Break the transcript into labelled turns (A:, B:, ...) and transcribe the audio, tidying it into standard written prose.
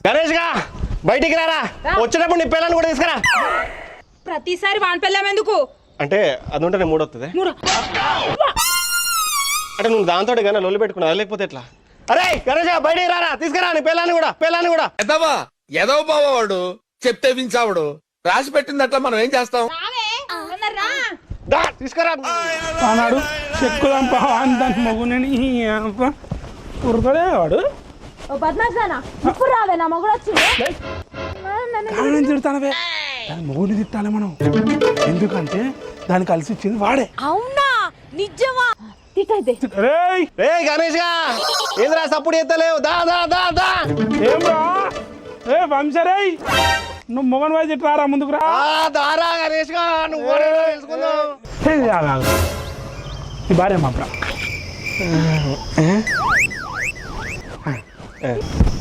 A: గణేష్ గా బయటికి రారా, వచ్చేటప్పుడు నీ పిల్లల్ని కూడా తీసుకురా.
B: ప్రతిసారి వాన్ పెళ్ళాం ఎందుకు?
A: అంటే అది ఉంటే మూడు వస్తుంది అంటే నువ్వు దాంతో కానీ లొల్లి పెట్టుకున్నా, లేకపోతే ఎట్లా? అరే గణేష్ బయటికి రారా, తీసుకురా నీ పిల్లాన్ని కూడా.
C: ఎదవా ఎదవ బావాడు చెప్తే వించావుడు, రాసి పెట్టింది అట్లా మనం ఏం చేస్తాం?
A: తీసుకురా
D: అన్నాడు చెక్కుదాం దాని మగునని ఉరకడే వాడు.
B: ఇప్పుడు రావే నా మగుడు వచ్చింది.
D: తిడతానవే, దాని మగుని తిట్టాలి మనం, ఎందుకంటే దాన్ని కలిసి ఇచ్చింది వాడే.
B: అవునా నిజమా?
A: రే గణేష్ గా ఏంద్రా సప్పుడు ఎత్తలేవు, దా దా దా దా.
D: ఏం రా ఏ వంశరే, నువ్వు మొగన్ వాయి తిట్టారా ముందుకు రా.
A: దారా గణేష్ గా నువ్వు తెలుసుకుందావు.
D: ఈ భార్య మా